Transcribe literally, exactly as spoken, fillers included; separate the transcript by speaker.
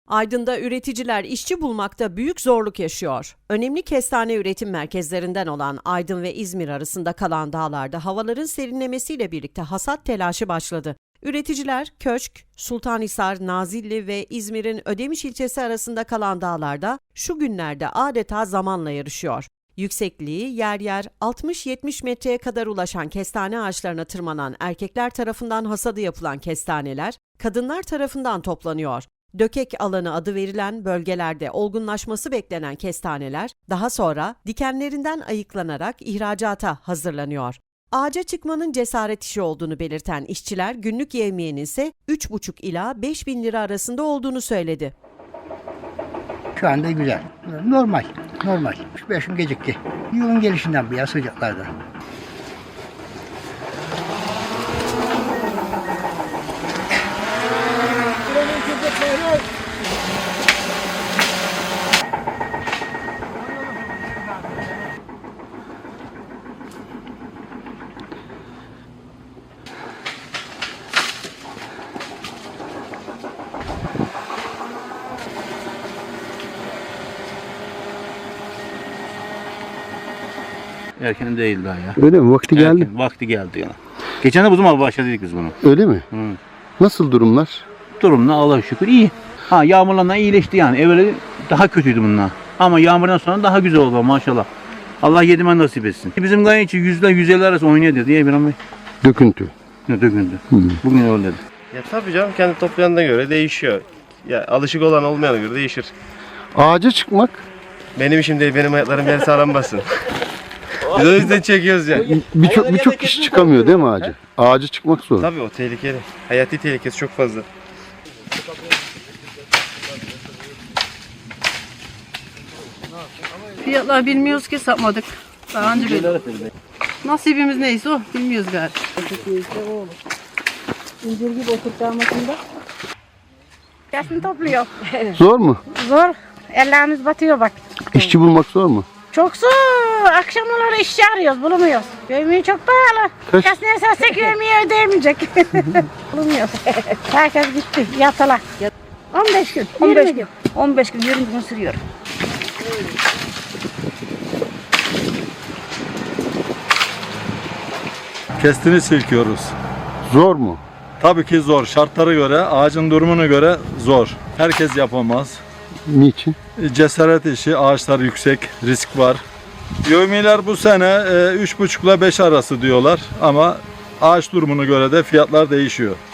Speaker 1: Aydın'da üreticiler işçi bulmakta büyük zorluk yaşıyor. Önemli kestane üretim merkezlerinden olan Aydın ve İzmir arasında kalan dağlarda havaların serinlemesiyle birlikte hasat telaşı başladı. Üreticiler Köşk, Sultanhisar, Nazilli ve İzmir'in Ödemiş ilçesi arasında kalan dağlarda şu günlerde adeta zamanla yarışıyor. Yüksekliği yer yer altmış yetmiş metreye kadar ulaşan kestane ağaçlarına tırmanan erkekler tarafından hasadı yapılan kestaneler, kadınlar tarafından toplanıyor. Dökek alanı adı verilen bölgelerde olgunlaşması beklenen kestaneler daha sonra dikenlerinden ayıklanarak ihracata hazırlanıyor. Ağaca çıkmanın cesaret işi olduğunu belirten işçiler günlük yevmiyenin ise üç buçuk ila beş bin lira arasında olduğunu söyledi.
Speaker 2: Şu anda güzel. Normal. Normal. üç beş gün gecikti. Yılın gelişinden bu ya sıcaklarda.
Speaker 3: Erken değil daha ya.
Speaker 4: Öyle mi? Vakti geldi.
Speaker 3: Erken, vakti geldi yani. Geçen de bu zaman başladık biz bunu.
Speaker 4: Öyle mi?
Speaker 3: Hı.
Speaker 4: Nasıl durumlar?
Speaker 3: Durumda Allah'a şükür iyi. Ha yağmurlarla iyileşti yani. Evveli daha kötüydü bunlar. Ama yağmurdan sonra daha güzel oldu maşallah. Allah yedimen nasip etsin. Bizim gayet için yüzle yüz elli arası oynuyor dedi ya bir an.
Speaker 4: Döküntü.
Speaker 3: Ne dökündü.
Speaker 4: Hı.
Speaker 3: Bugün öyle dedi.
Speaker 5: Ya tabii canım kendi toplayanına göre değişiyor. Ya alışık olan olmayana göre değişir.
Speaker 4: Ağaca çıkmak
Speaker 5: Benim işim değil, benim ayaklarım yer sağlam basın. Biz o yüzden çekiyoruz ya.
Speaker 4: birçok birçok kişi çıkamıyor değil mi ağaca? Ağaca çıkmak zor.
Speaker 5: Tabii o tehlikeli. Hayati tehlikesi çok fazla.
Speaker 6: Fiyatlar bilmiyoruz ki, satmadık. Daha önce böyle. Nasibimiz neyse o, bilmiyoruz galiba.
Speaker 7: İncir gibi oturtacağımızda. Yaşını topluyor.
Speaker 4: Zor mu?
Speaker 7: Zor. Ellerimiz batıyor bak.
Speaker 4: İşçi bulmak zor mu?
Speaker 7: Çok zor. Akşamları işçi arıyoruz, bulamıyoruz. Yövmiye çok pahalı.
Speaker 4: Kaç?
Speaker 7: Kaç ne sersek yövmiye ödeyemeyecek. Bulamıyoruz. Herkes gitti, yatıla. on beş gün,
Speaker 8: on beş
Speaker 7: yirmi gün.
Speaker 8: on beş gün, yirmi gün sürüyor.
Speaker 9: Kestini silkiyoruz.
Speaker 4: Zor mu?
Speaker 9: Tabii ki zor. Şartlara göre, ağacın durumuna göre zor. Herkes yapamaz.
Speaker 4: Niçin?
Speaker 9: Cesaret işi, ağaçlar yüksek, risk var. Yevmiler bu sene üç buçuk ile beş arası diyorlar ama ağaç durumuna göre de fiyatlar değişiyor.